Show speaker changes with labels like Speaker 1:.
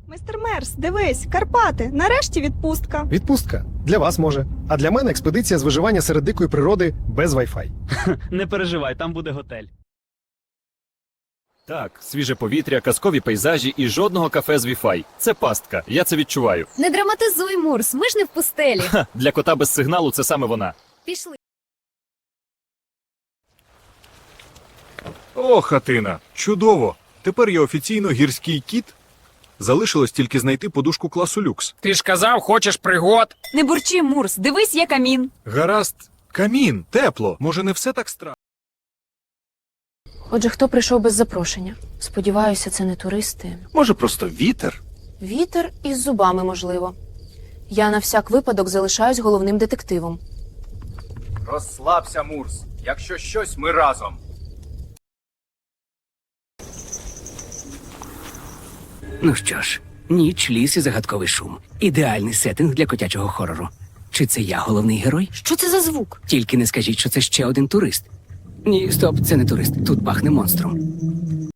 Speaker 1: Мистер Мерс, дивись, Карпати, нарешті відпустка.
Speaker 2: Відпустка. Для вас може. А для мене експедиція з виживання серед дикої природи без Wi-Fi.
Speaker 3: Не переживай, там буде готель.
Speaker 4: Так, свіже повітря, казкові пейзажі і жодного кафе з Wi-Fi. Це пастка, я це відчуваю.
Speaker 5: Не драматизуй, Мурс, ми ж не в пустелі.
Speaker 4: Ха, для кота без сигналу це саме вона.
Speaker 5: Пішли.
Speaker 6: О, хатина! Чудово! Тепер я офіційно гірський кіт. Залишилось тільки знайти подушку класу люкс.
Speaker 7: Ти ж казав, хочеш пригод.
Speaker 8: Не бурчи, Мурс, дивись, є камін.
Speaker 6: Гаразд. Камін, тепло. Може, не все так страшно?
Speaker 9: Отже, хто прийшов без запрошення? Сподіваюся, це не туристи.
Speaker 6: Може, просто вітер?
Speaker 9: Вітер із зубами, можливо. Я на всяк випадок залишаюсь головним детективом.
Speaker 7: Розслабся, Мурс. Якщо щось, ми разом.
Speaker 10: Ну що ж, ніч, ліс і загадковий шум. Ідеальний сеттинг для котячого хорору. Чи це я головний герой?
Speaker 9: Що це за звук?
Speaker 10: Тільки не скажіть, що це ще один турист. Ні, стоп, це не турист. Тут пахне монстром.